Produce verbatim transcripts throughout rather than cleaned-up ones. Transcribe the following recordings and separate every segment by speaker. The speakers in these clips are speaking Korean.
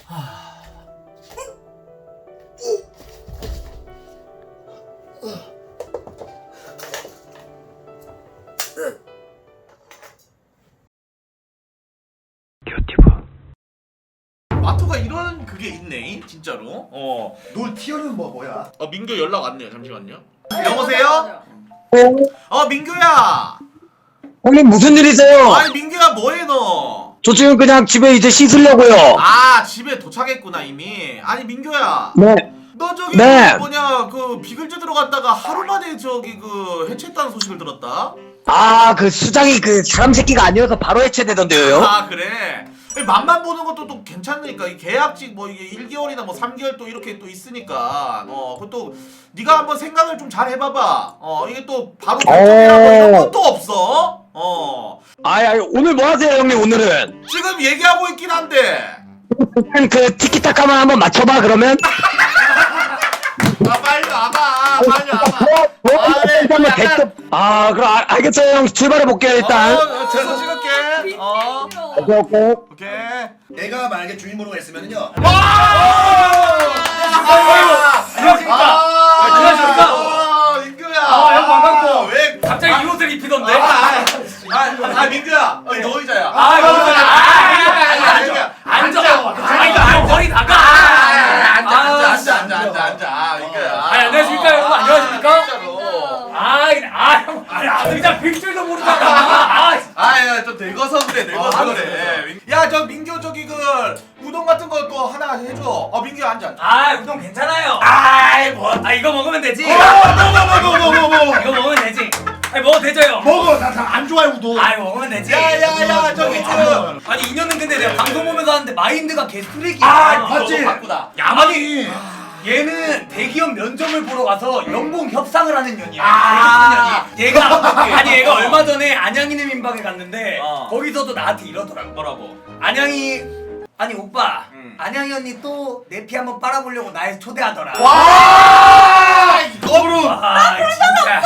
Speaker 1: 마토가 이런 그게 있네 진짜로. 어.
Speaker 2: 놀 티어는 뭐 뭐야?
Speaker 1: 어 민규 연락 왔네요. 잠시만요. 여보세요? 어 민규야.
Speaker 3: 형님 무슨 일이세요?
Speaker 1: 아니 민규야 뭐해 너?
Speaker 3: 저 지금 그냥 집에 이제 씻으려고요.
Speaker 1: 아 집에 도착했구나 이미. 아니 민규야.
Speaker 3: 네.
Speaker 1: 너 저기
Speaker 3: 네.
Speaker 1: 그 뭐냐 그 비글즈 들어갔다가 하루 만에 저기 그 해체했다는 소식을 들었다.
Speaker 3: 아, 그 수장이 그 사람 새끼가 아니어서 바로 해체되던데요.
Speaker 1: 아 그래. 맛만 보는 것도 또 괜찮으니까 이 계약직 뭐 이게 일 개월이나 뭐 삼 개월 또 이렇게 또 있으니까 어 그것도 네가 한번 생각을 좀 잘 해봐봐. 어 이게 또 바로 결정이라고 이런 건 또 없어. 어
Speaker 3: 아이, 아이, 오늘 뭐 하세요, 형님, 오늘은?
Speaker 1: 지금 얘기하고 있긴 한데.
Speaker 3: 일단 그 티키타카만 한번 맞춰봐, 그러면?
Speaker 1: 아 빨리 와봐. 빨리 와봐.
Speaker 3: 뭐, 뭐,
Speaker 1: 아, 네,
Speaker 3: 한번
Speaker 1: 약간-
Speaker 3: 대접. 아, 그럼 알, 알겠어요, 형. 출발해볼게요, 일단.
Speaker 1: 어, 어 재수 찍을게. 어
Speaker 3: 오케이, 오케이.
Speaker 1: 오케이.
Speaker 2: 내가 만약에 주인공으로 했으면은요.
Speaker 1: 와!
Speaker 4: 안녕하십니까?
Speaker 1: 아,
Speaker 4: 안녕하십니까?
Speaker 1: 아, 민규야.
Speaker 4: 아, 형 반갑고.
Speaker 1: 왜
Speaker 4: 갑자기 이 옷을 입히던데?
Speaker 1: 아, 아, 아, 아, 민규야. 어, 너 의자야.
Speaker 4: 아, 이거 옷을
Speaker 1: 아,
Speaker 4: 아,
Speaker 1: 민규야.
Speaker 4: 앉아.
Speaker 1: 앉아.
Speaker 4: 아, 이거 안 머리 나가.
Speaker 1: 앉아, 앉아,
Speaker 4: 아,
Speaker 1: 앉아, 앉아, 앉아, 앉아. 민규야.
Speaker 4: 아, 안녕하십니까, 여러분? 안녕하십니까?
Speaker 1: 진짜로.
Speaker 4: 아, 이거- 아, 형, 아, 의자 빅줄도 모르잖아. 아,
Speaker 1: 아, 야, 좀 늙어서 그래, 늙어서
Speaker 4: 아,
Speaker 1: 그래. 야, 저 민규 저기 그 우동 같은 거 또 하나 해줘. 어, 민규 앉아.
Speaker 4: 아, 우동 괜찮아요. 아이, 뭐, 아, 이거 먹으면 되지.
Speaker 2: 뭐뭐뭐뭐뭐뭐
Speaker 4: 이거 먹으면 되지. 아니, 먹어도 되죠?
Speaker 2: 먹어. 나 안 좋아해 우동.
Speaker 4: 아이, 먹으면 되지.
Speaker 1: 야, 야, 야, 저기 그.
Speaker 4: 아니, 이 년은 근데 내가 방송 보면서 하는데 마인드가 개 쓰레기야.
Speaker 2: 아,
Speaker 1: 이거
Speaker 2: 맞지?
Speaker 1: 바꾸다.
Speaker 4: 야만이 얘는 대기업 면접을 보러 가서 연봉 협상을 하는 년이야.
Speaker 1: 아.
Speaker 4: 대기업 년이. 얘가 아니 얘가 얼마 전에 안양이네 민박에 갔는데
Speaker 1: 어.
Speaker 4: 거기서도 나한테 이러더라고.
Speaker 1: 뭐라고?
Speaker 4: 안양이 아니 오빠
Speaker 1: 음.
Speaker 4: 안양이 언니 또 내 피 한번 빨아보려고 날 초대하더라.
Speaker 1: 와! 이거로.
Speaker 4: 아 진짜.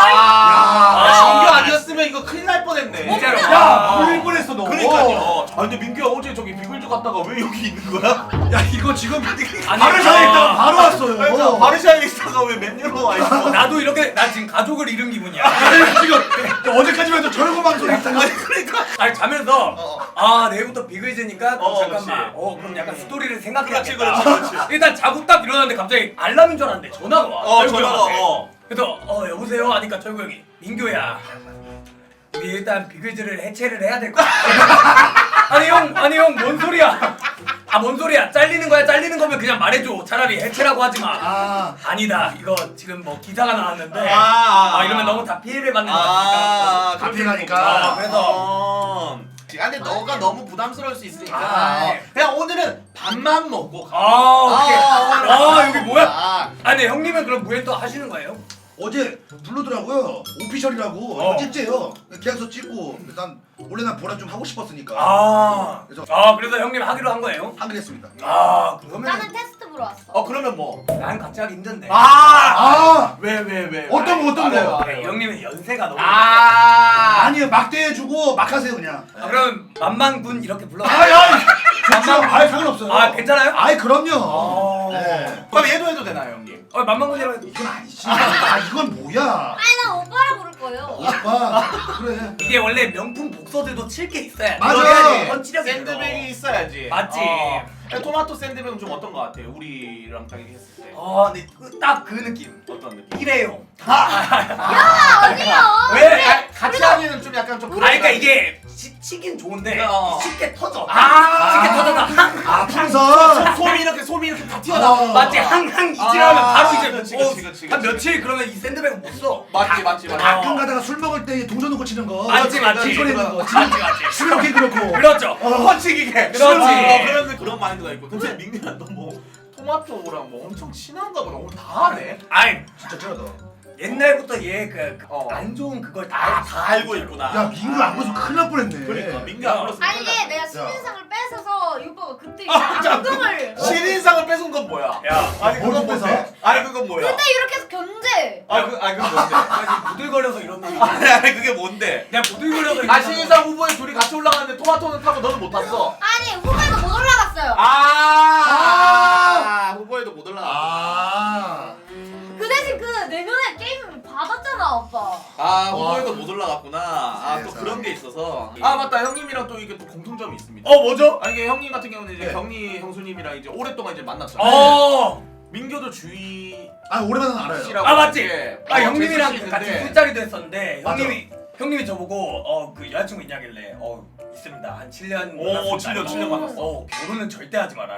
Speaker 1: 아,
Speaker 4: 아.
Speaker 1: 민규 아니었으면 이거 큰일 날 뻔했네.
Speaker 4: 진짜로.
Speaker 2: 야,
Speaker 4: 아.
Speaker 2: 울릴 뻔했어 너.
Speaker 1: 그러니까요. 아 근데 민규야 어제 저기 비글즈 갔다가 왜 여기 있는 거야?
Speaker 2: 야, 이거 지금
Speaker 4: 아니,
Speaker 2: 바르샤에 있다가
Speaker 4: 아.
Speaker 2: 바로 왔어요.
Speaker 1: 바르샤에 있다가 왜 맨유로 와 있어?
Speaker 4: 나도 이렇게 나 지금 가족을 잃은 기분이야.
Speaker 2: 지금 어제까지만 해도 저런 방송 했다가
Speaker 1: 아니 그러니까.
Speaker 4: 아니 자면서
Speaker 1: 어.
Speaker 4: 아 내일부터 비글즈니까 그럼
Speaker 1: 어,
Speaker 4: 잠깐만
Speaker 1: 그렇지.
Speaker 4: 어 그럼 약간 스토리를
Speaker 1: 그렇지,
Speaker 4: 생각해야겠다.
Speaker 1: 그렇지, 그렇지.
Speaker 4: 일단 자고 딱 일어났는데 갑자기 알람인 줄 알았는데 전화가 와.
Speaker 1: 어,
Speaker 4: 철구
Speaker 1: 전화가,
Speaker 4: 형한테.
Speaker 1: 어.
Speaker 4: 그래서 어 여보세요 하니까 철구 형이 민규야 우리 일단 비글즈를 해체를 해야 될 것 같아. 아니 형 아니 형 뭔 소리야? 아 뭔 소리야? 잘리는 거야 잘리는 거면 그냥 말해줘. 차라리 해체라고 하지 마.
Speaker 2: 아,
Speaker 4: 아니다 이거 지금 뭐 기사가 나왔는데
Speaker 1: 아, 아,
Speaker 4: 아 이러면 너무 다 피해를 받는 거니까.
Speaker 1: 아,
Speaker 2: 다 피해가니까.
Speaker 4: 아, 그래서
Speaker 1: 어. 아, 근데 너가 너무 부담스러울 수 있으니까
Speaker 4: 아,
Speaker 1: 어, 그냥 오늘은 밥만 먹고 가.
Speaker 4: 아 오케이.
Speaker 1: 오늘
Speaker 4: 아
Speaker 1: 밥만
Speaker 4: 여기
Speaker 1: 먹고
Speaker 4: 뭐야?
Speaker 1: 가.
Speaker 4: 아 근데 형님은 그럼 무엔또 하시는 거예요?
Speaker 2: 어제 부르더라고요. 오피셜이라고.
Speaker 4: 어.
Speaker 2: 찍재요. 계약서 찍고 난 원래 난 보라 좀 하고 싶었으니까
Speaker 4: 아,
Speaker 2: 그래서-
Speaker 4: 아 그래서 형님 하기로 한 거예요?
Speaker 2: 하기로 했습니다.
Speaker 4: 아 그러면
Speaker 5: 나는 테스트 보러 왔어.
Speaker 1: 어 그러면 뭐?
Speaker 4: 난 같이 하기 힘든데.
Speaker 1: 아!
Speaker 2: 아,
Speaker 1: 왜 왜 왜?
Speaker 2: 어떤 거, 어떤 거?
Speaker 1: 말해봐,
Speaker 4: 아,
Speaker 1: 말해봐.
Speaker 4: 형님은 연세가 너무.
Speaker 1: 아!
Speaker 2: 아니요, 막대해주고 막 하세요 그냥.
Speaker 4: 아, 그럼 만만군 이렇게 불러.
Speaker 2: 아이, 아이, 좋죠. 아이, 상관없어요.
Speaker 4: 아 괜찮아요?
Speaker 2: 아이, 그럼요.
Speaker 4: 어.
Speaker 2: 네.
Speaker 1: 그럼 얘도 해도 되나요, 형님?
Speaker 4: 어 만만군이라고 해도.
Speaker 2: 이건 아니지. 아, 이건 뭐야?
Speaker 5: 아니 난 오빠라 부를 거예요.
Speaker 2: 오빠, 그래.
Speaker 4: 이게 원래 명품 복서들도 칠 게 있어야 돼.
Speaker 2: 맞아.
Speaker 4: 그래야지 펀치력이
Speaker 1: 샌드백이 있어야지.
Speaker 4: 맞지.
Speaker 1: 어. 토마토 샌드백은 좀 어떤 거 같아요? 우리랑 딱 얘기했을 때.
Speaker 4: 어, 근데 딱 그 느낌.
Speaker 1: 어떤 느낌?
Speaker 4: 일회용.
Speaker 5: 야 아니야.
Speaker 4: 왜?
Speaker 1: 아, 같이 하기는 좀 약간 좀.
Speaker 4: 아 그러니까 이게 치, 치긴 좋은데
Speaker 1: 어.
Speaker 4: 쉽게 터져.
Speaker 1: 아.
Speaker 4: 쉽게 터져서 항.
Speaker 2: 아, 풍선.
Speaker 1: 솜이 이렇게 솜이 이렇게 다 튀어나와.
Speaker 2: 어.
Speaker 4: 맞지 항항 이질하면
Speaker 1: 아,
Speaker 4: 바로 이제
Speaker 1: 그치,
Speaker 4: 어,
Speaker 1: 그치, 그치,
Speaker 4: 한
Speaker 1: 그치.
Speaker 4: 며칠 그러면 이 샌드백은 못 써.
Speaker 1: 맞지 맞지 맞지.
Speaker 2: 가끔 가다가 술 먹을 때 동전 놓고 치는 거.
Speaker 4: 맞지 맞지.
Speaker 2: 소리 내는 거.
Speaker 4: 맞지 맞지.
Speaker 2: 수명기 그렇고.
Speaker 4: 그렇죠.
Speaker 1: 펀치 기계.
Speaker 4: 그렇지.
Speaker 1: 어, 그런 그런 마인드가 있고. 근데 민규야 너 뭐 토마토랑 뭐 엄청 친한가 보다. 오늘 다 하네.
Speaker 4: 아이
Speaker 2: 진짜 쩔어다.
Speaker 4: 옛날부터 얘 그 안
Speaker 1: 어.
Speaker 4: 좋은 그걸 다,
Speaker 1: 아, 다 알고 있구나.
Speaker 2: 야, 민규 안 보서 큰일 날 뻔했네.
Speaker 1: 그러니까 민규 안 불렀으면
Speaker 5: 아니 이게 내가 신인상을 뺏어서 이 오빠가 그때 이제
Speaker 1: 아, 자,
Speaker 5: 안경을.
Speaker 1: 신인상을 뺏은 건 뭐야?
Speaker 4: 야
Speaker 1: 아니
Speaker 2: 뭘
Speaker 1: 그건
Speaker 2: 뺏어?
Speaker 1: 뭔데? 아니 그건 뭐야?
Speaker 5: 근데 이렇게 해서 견제.
Speaker 1: 아 그, 아니 그건 뭔데?
Speaker 4: 아니 부들거려서 이런다.
Speaker 1: 아니 아니 그게 뭔데?
Speaker 4: 내가 부들거려서
Speaker 1: 아
Speaker 4: 이런다.
Speaker 1: 신인상 후보에 둘이 같이 올라갔는데 토마토는 타고 너는 못 탔어.
Speaker 5: 아니 후배도 못 올라갔어요.
Speaker 1: 아 맞다 형님이랑 또 이게 또 공통점이 있습니다.
Speaker 4: 어 뭐죠?
Speaker 1: 아 이게 형님 같은 경우는 이제
Speaker 2: 네.
Speaker 1: 경리 형수님이랑 이제 오랫동안 이제 만났잖아요.
Speaker 4: 어.
Speaker 1: 민교도 주희
Speaker 2: 아 오랜만에 알아요.
Speaker 1: 씨라고
Speaker 4: 아 맞지?
Speaker 1: 이렇게
Speaker 4: 아
Speaker 1: 어,
Speaker 4: 형님이랑
Speaker 1: 제수 씨
Speaker 4: 같이
Speaker 1: 있는데
Speaker 4: 술자리도 했었는데
Speaker 2: 맞아.
Speaker 4: 형님이 형님이 저보고 어 그 여자친구 있냐길래 어 있습니다 한 칠 년
Speaker 1: 오, 칠 년, 칠 년 만났어.
Speaker 4: 어 결혼은 절대 하지 마라.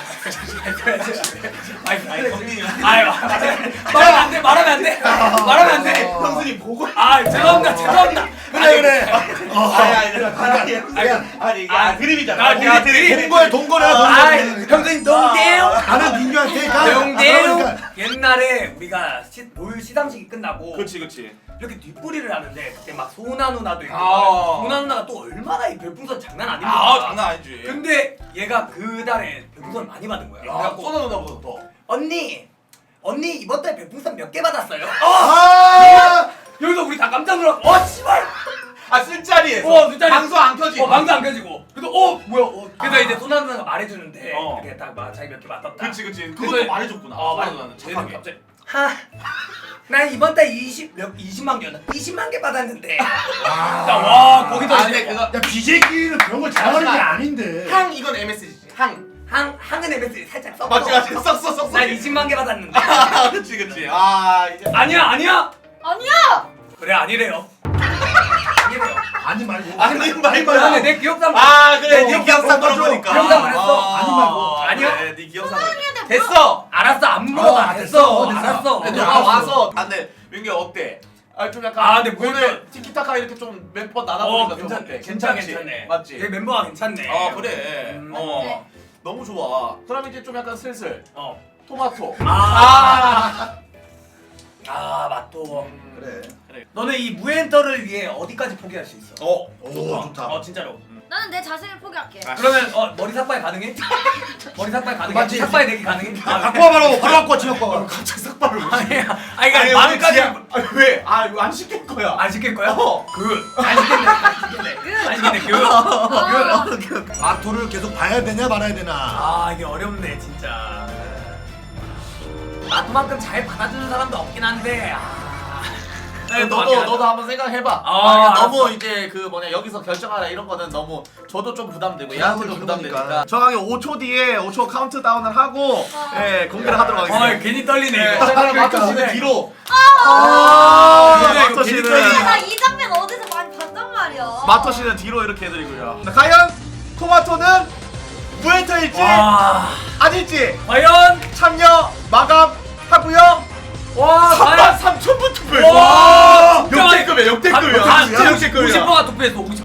Speaker 4: 아니 아니 형님 아유 말하면 안돼 말하면 안돼 말하면 안돼
Speaker 1: 형수님 보고
Speaker 4: 아 죄송합니다 죄송합니다
Speaker 2: 그래 그래.
Speaker 1: 아니 아니 아니 아니 이게 아 드립이잖아.
Speaker 4: 아, 드립, 드립.
Speaker 2: 동거에 동거래
Speaker 4: 아이
Speaker 2: 동거래.
Speaker 4: 형님 동대요
Speaker 2: 나는 민규한테 가.
Speaker 4: 동대요
Speaker 2: 그러니까.
Speaker 4: 옛날에 우리가 시, 롤 시상식이 끝나고
Speaker 1: 그렇지 그렇지.
Speaker 4: 이렇게 뒷부리를 하는데 그때 막 소나 누나도 있고
Speaker 1: 아.
Speaker 4: 소나 누나가 또 얼마나 이 별풍선 장난 아닙니까?
Speaker 1: 아 장난 아니지.
Speaker 4: 근데 얘가 그 달에 별풍선 많이 받은 거야.
Speaker 1: 야
Speaker 4: 그래갖고
Speaker 1: 쏘나 누나보다 더.
Speaker 4: 언니 언니 이번 달 별풍선 몇 개 받았어요? 어!
Speaker 2: 아.
Speaker 4: 여기서 우리 다 깜짝 놀랐어. 어 씨발.
Speaker 1: 아 술자리에서.
Speaker 4: 어, 술자리.
Speaker 1: 방송 안 켜지.
Speaker 4: 어 방도 안 켜지고. 그래서 어 뭐야? 어. 그래서
Speaker 1: 아.
Speaker 4: 이제 소나 누나가 말해주는데
Speaker 1: 어.
Speaker 4: 이렇게 딱막 자기 몇 개 받았다.
Speaker 1: 그렇지 그렇지.
Speaker 4: 그래서-
Speaker 1: 그것도 말해줬구나.
Speaker 4: 어
Speaker 1: 소나
Speaker 4: 말.
Speaker 1: 누나는
Speaker 4: 쟤는
Speaker 1: 착하게.
Speaker 4: 갑자기 하. 나 이번 달 이십 몇 이십만 개였나? 이십만 개 받았는데. 와 거기도
Speaker 1: 아
Speaker 4: 이제
Speaker 1: 근데 그거
Speaker 2: 야 비제끼리는 그런 걸 잘하는 게 아닌데.
Speaker 1: 항 이건 엠에스지지. 항.
Speaker 4: 항 항은 엠에스 살짝 써.
Speaker 1: 맞지 맞지. 썩써 썩써.
Speaker 4: 난 이십만 개 받았는데.
Speaker 1: 아 그렇지 그렇지. 아 이제.
Speaker 4: 아니야 아니야.
Speaker 5: 아니야.
Speaker 4: 그래 아니래요. 아니래요.
Speaker 2: 아니 말고.
Speaker 1: 아니 말고.
Speaker 4: 근데 내 기억상
Speaker 1: 아 그래
Speaker 4: 네
Speaker 1: 네 기억상
Speaker 2: 맞아.
Speaker 1: 걸어보니까.
Speaker 4: 기억상을 했어.
Speaker 2: 아니 말고.
Speaker 4: 아니야?
Speaker 1: 그래, 네 기억상.
Speaker 5: 돼,
Speaker 1: 됐어.
Speaker 4: 알았어 안 물어봐.
Speaker 2: 어,
Speaker 4: 됐어.
Speaker 2: 됐어, 됐어.
Speaker 4: 알았어.
Speaker 1: 근데
Speaker 2: 어,
Speaker 1: 너가
Speaker 2: 알았어.
Speaker 1: 와서 아 근데 민규 어때? 아 좀 약간
Speaker 4: 아, 근데
Speaker 1: 오늘
Speaker 4: 보니까-
Speaker 1: 티키타카 이렇게 좀 몇 번
Speaker 4: 어
Speaker 1: 나눠보니까 좀
Speaker 4: 괜찮네.
Speaker 1: 어때?
Speaker 4: 괜찮
Speaker 1: 괜찮지?
Speaker 4: 괜찮네.
Speaker 1: 맞지?
Speaker 4: 얘 멤버가 괜찮네.
Speaker 1: 어 그래.
Speaker 4: 음,
Speaker 1: 어
Speaker 5: 맞지?
Speaker 1: 너무 좋아. 그럼 이제 좀 약간 슬슬
Speaker 4: 어.
Speaker 1: 토마토.
Speaker 4: 아. 아 맞도.
Speaker 2: 그래.
Speaker 1: 그래.
Speaker 4: 너는 이 무엔터를 위해 어디까지 포기할 수 있어?
Speaker 1: 어.
Speaker 2: 오 좋다.
Speaker 4: 어 진짜로.
Speaker 5: 나는 내 자신을 포기할게.
Speaker 1: 아,
Speaker 4: 그러면 어 머리 삭발 가능해? 머리 삭발 가능해?
Speaker 2: 맞지?
Speaker 4: 삭발 내기 가능해? 아,
Speaker 2: 바꿔 바로 바로 바꿔 지금 바꿔.
Speaker 1: 갑자기 삭발을 왜?
Speaker 4: 아니야. 아니 그러니까
Speaker 1: 아니,
Speaker 4: 마음까지
Speaker 1: 왜? 아니 왜? 아 이거 안 시킬 거야.
Speaker 4: 안 시킬 거야?
Speaker 1: 어.
Speaker 4: 그. 안 시켰네. 안 시켰네. 안 시켰네. 그.
Speaker 5: 아,
Speaker 2: 마토를 계속 봐야 되냐 말아야 되나.
Speaker 4: 아 이게 어렵네 진짜. 나도만큼 잘 받아주는 사람도 없긴 한데. 아.
Speaker 1: 네, 너도 너도 한번 생각해봐.
Speaker 4: 아,
Speaker 1: 아,
Speaker 4: 알았어.
Speaker 1: 너무 이제 그 뭐냐 여기서 결정하라 이런 거는 너무 저도 좀 부담되고 얘한테도
Speaker 2: 부담은
Speaker 1: 부담되니까.
Speaker 2: 그거니까.
Speaker 1: 정확히 오 초 뒤에 오 초 카운트다운을 하고
Speaker 5: 아.
Speaker 1: 예 공개를 하도록 하겠습니다.
Speaker 4: 어 괜히 떨리네
Speaker 1: 네,
Speaker 4: 이거.
Speaker 1: 자, 그럼 마토 씨는
Speaker 4: 그러니까.
Speaker 1: 뒤로.
Speaker 5: 아,
Speaker 1: 아,
Speaker 4: 이거
Speaker 1: 마토
Speaker 4: 괜히
Speaker 1: 씨는
Speaker 4: 떨리네.
Speaker 5: 나이 장면 어디서 많이 봤단 말이야.
Speaker 1: 마토 씨는 뒤로 이렇게 해드리고요. 자, 과연 토마토는 무에터일지
Speaker 4: 와.
Speaker 1: 아닐지
Speaker 4: 과연.
Speaker 1: 참여 마감하고요.
Speaker 4: 와.
Speaker 1: 삼만 삼천 분 투표했어.
Speaker 4: 와. 진짜 많이-
Speaker 1: 역대급이야 역대급이야.
Speaker 4: 아,
Speaker 1: 진짜 역대급이야.
Speaker 4: 오십 퍼센트가 투표했어. 오십.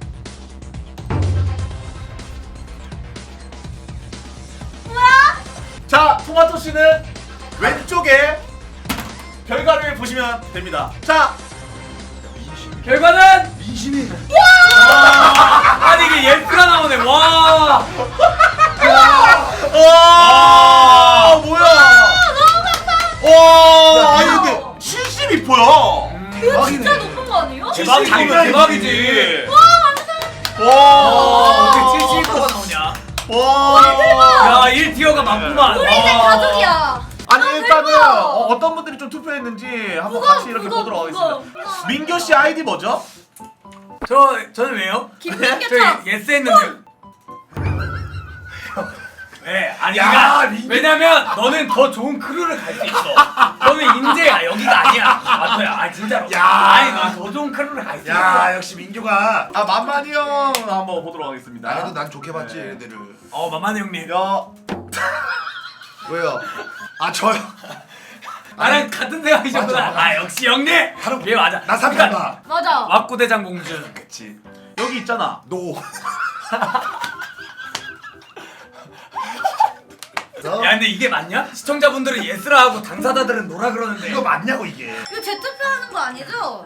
Speaker 1: 자, 토마토 씨는 왼쪽에 결과를 보시면 됩니다. 자,
Speaker 4: 결과는
Speaker 2: 민심이.
Speaker 4: 아니 이게 예스가 나오네. 와.
Speaker 1: 와, 뭐야? 와, 아니 근데 칠십이 퍼야.
Speaker 5: 이거 진짜 높은 거 아니에요?
Speaker 4: 대박이지.
Speaker 1: 장난이지.
Speaker 4: 대박이지.
Speaker 1: 와,
Speaker 4: 어떻게 칠십이 퍼가 나오냐?
Speaker 1: 와,
Speaker 4: 야, 일 티어가 맞구만.
Speaker 5: 우리 이제
Speaker 4: 와.
Speaker 5: 가족이야.
Speaker 1: 아니
Speaker 5: 아,
Speaker 1: 일단은
Speaker 5: 대박.
Speaker 1: 어, 어떤 분들이 좀 투표했는지 한번
Speaker 5: 무거워,
Speaker 1: 같이 이렇게
Speaker 5: 무거워,
Speaker 1: 보도록
Speaker 5: 무거워.
Speaker 1: 하겠습니다. 민교 씨 아이디 뭐죠?
Speaker 4: 저 저는 왜요?
Speaker 5: 김민규처럼.
Speaker 4: 저 예스 했는데. 왜? 아니
Speaker 2: 야,
Speaker 4: 그러니까
Speaker 2: 민규.
Speaker 4: 왜냐면 너는 더 좋은 크루를 갈 수 있어. 너는 인재야. 여기가 아니야. 맞아요. 아 진짜로.
Speaker 2: 야.
Speaker 4: 아니 넌 더 좋은 크루를 갈 수 있어.
Speaker 2: 야 역시 민규가.
Speaker 1: 아 만만이 형 한번 보도록 하겠습니다.
Speaker 2: 나도 난 좋게 봤지
Speaker 1: 네.
Speaker 2: 얘들을.
Speaker 4: 어 만만해 형님.
Speaker 1: 야,
Speaker 2: 왜요? 아 저요.
Speaker 4: 나랑 같은 생각이셨구나.
Speaker 2: 맞아, 맞아.
Speaker 4: 아 역시 형님.
Speaker 2: 다른-
Speaker 4: 얘 맞아.
Speaker 2: 나 삼
Speaker 4: 그러니까
Speaker 2: 봐.
Speaker 5: 맞아.
Speaker 4: 왁구대장 봉준.
Speaker 2: 그치.
Speaker 1: 여기 있잖아.
Speaker 2: 노.
Speaker 4: 야 근데 이게 맞냐? 시청자분들은 예스라 하고 당사자들은 노라 그러는데.
Speaker 2: 이거 맞냐고 이게.
Speaker 5: 이거 재투표하는 거 아니죠?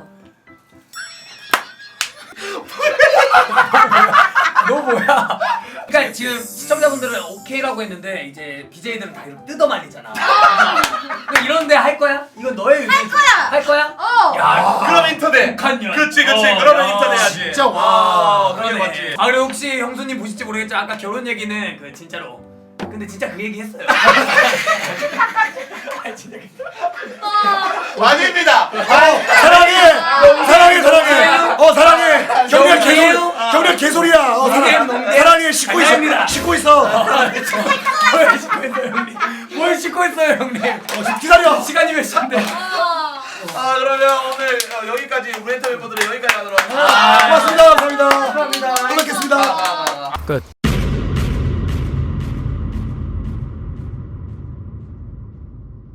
Speaker 4: 너 뭐야? 그러니까 지금 시청자분들은 오케이라고 했는데 이제 비제이들은 다 이렇게 뜯어 말리잖아. 그러니까 이런데 할 거야? 이건 너의 의지.
Speaker 5: 할 거야.
Speaker 4: 할 거야?
Speaker 5: 어.
Speaker 4: 야,
Speaker 1: 그럼 인터넷.
Speaker 4: 북한 년.
Speaker 1: 그치 그치.
Speaker 4: 어,
Speaker 1: 그러면
Speaker 4: 야.
Speaker 1: 인터넷 해야지.
Speaker 2: 진짜 와.
Speaker 1: 아, 그게
Speaker 4: 그러네.
Speaker 1: 맞지.
Speaker 4: 아 그리고 혹시 형수님 보실지 모르겠지만 아까 결혼 얘기는 그 진짜로. 근데 진짜 그 얘기 했어요. 아 진짜.
Speaker 5: 어.
Speaker 1: 아닙니다.
Speaker 2: 사랑해. 사랑해 사랑해. 어 사랑해. 경렬 개소리. 경렬 개소리야.
Speaker 4: 뭘 씻고 있어요 형님? 뭘 씻고 있어요 형님?
Speaker 2: 어, 기다려.
Speaker 4: 시간이 몇 시인데?
Speaker 5: 아.
Speaker 1: 아 그러면 오늘 어, 여기까지 우리 멘토 멤버들은 여기까지 하도록
Speaker 2: 아, 고맙습니다. 감사합니다.
Speaker 4: 감사합니다.
Speaker 2: 또 뵙겠습니다.
Speaker 1: 아, 아, 아.
Speaker 4: 끝.